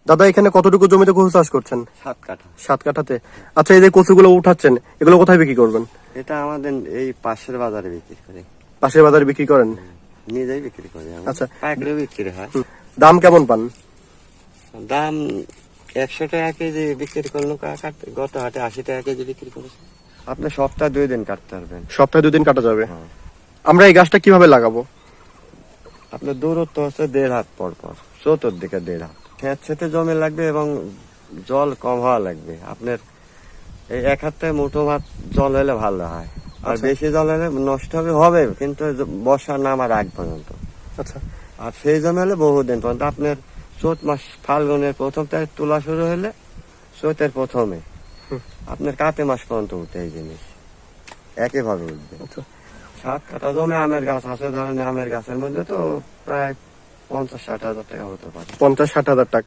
দাদা এখানে কতটুকু জমিতে কচু চাষ করছেন? 7 কাঠা। 7 কাঠাতে। আচ্ছা, এই যে কচুগুলো উঠাচ্ছেন, এগুলো কোথায় বিক্রি করবেন? এটা আমাদের এই পাশের বাজারে বিক্রি করি। পাশের বাজারে বিক্রি করেন? নিজেই বিক্রি করি। আচ্ছা। পাইকারি বিক্রি হয়। দাম কেমন পান? দাম 100 টাকা কেজি বিক্রি করলো, গত হাটে 80 টাকা কেজি বিক্রি করেছে। আপনি সপ্তাহে 2 দিন কাটতে পারবেন। সপ্তাহে 2 দিন কাটা যাবে। হ্যাঁ। আমরা এই গাছটা কিভাবে লাগাবো? আপনার দূরত্ব হচ্ছে 1.5 হাত পর পর, চতুর্দিকে 1.5 হাত। খেতে জমি লাগবে এবং জল কম হওয়া লাগবে। আপনার এই 1 হাতে মুঠো ভাত জল হলে ভালো হয়। আর আচ্ছা। বেশি জল হলে নষ্ট হবে কিন্তু বর্ষার নামার আগ পর্যন্ত। আচ্ছা। আর সেই জমি হলে বহুদিন পর্যন্ত। আপনার চৈত মাস ফাল্গুনের প্রথম তারিখ তোলা শুরু হলে চৈতের প্রথমে আপনার কাতে মাস পর্যন্ত উঠে এই জিনিস একইভাবে উঠবে। আচ্ছা। 7 কাঠা জমি আমের গাছ আছে, ধরেন আমের গাছের মধ্যে তো প্রায় 50-60 হাজার টাকা হতে পারে। 50-60 হাজার টাকা।